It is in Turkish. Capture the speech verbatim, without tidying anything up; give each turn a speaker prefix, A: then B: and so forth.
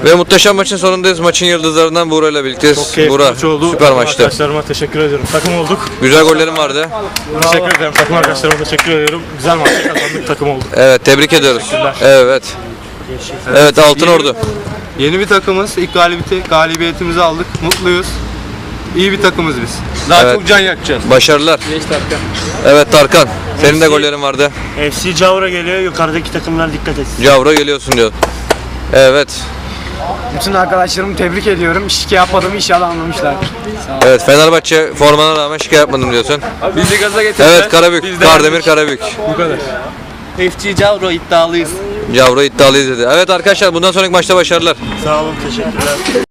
A: Ve muhteşem maçın sonundayız. Maçın yıldızlarından Buğra ile birlikteyiz.
B: Çok keyifli
A: Buğra,
B: maç oldu.
A: süper maçtı.
B: Arkadaşlarıma teşekkür ediyorum. Takım olduk.
A: Güzel gollerin vardı.
B: Teşekkür ederim. Takım arkadaşlarıma teşekkür ediyorum. Güzel maç kazandık, takım olduk.
A: Evet, tebrik ediyoruz. Evet. Evet, Altın Ordu.
C: Yeni bir takımız. İlk galibiyeti, galibiyetimizi aldık. Mutluyuz. İyi bir takımız biz. Daha
A: Evet.
C: çok can yakacağız.
A: Başarılar. Evet Tarkan, senin de gollerin vardı.
D: F C Cavra geliyor, yukarıdaki takımlar dikkat etsin.
A: Cavra geliyorsun diyor. Evet.
E: Bütün arkadaşlarımı tebrik ediyorum. Şike yapmadığımı inşallah anlamışlardır.
A: Evet, Fenerbahçe formana rağmen şike yapmadım diyorsun.
C: Bizi gaza getirdiler.
A: Evet, Karabük. Kardemir Karabük.
C: Bu kadar.
F: F C Cavro iddialıyız.
A: Cavra iddialıyız dedi. Evet arkadaşlar, bundan sonraki maçta başarılar.
D: Sağ olun, teşekkürler.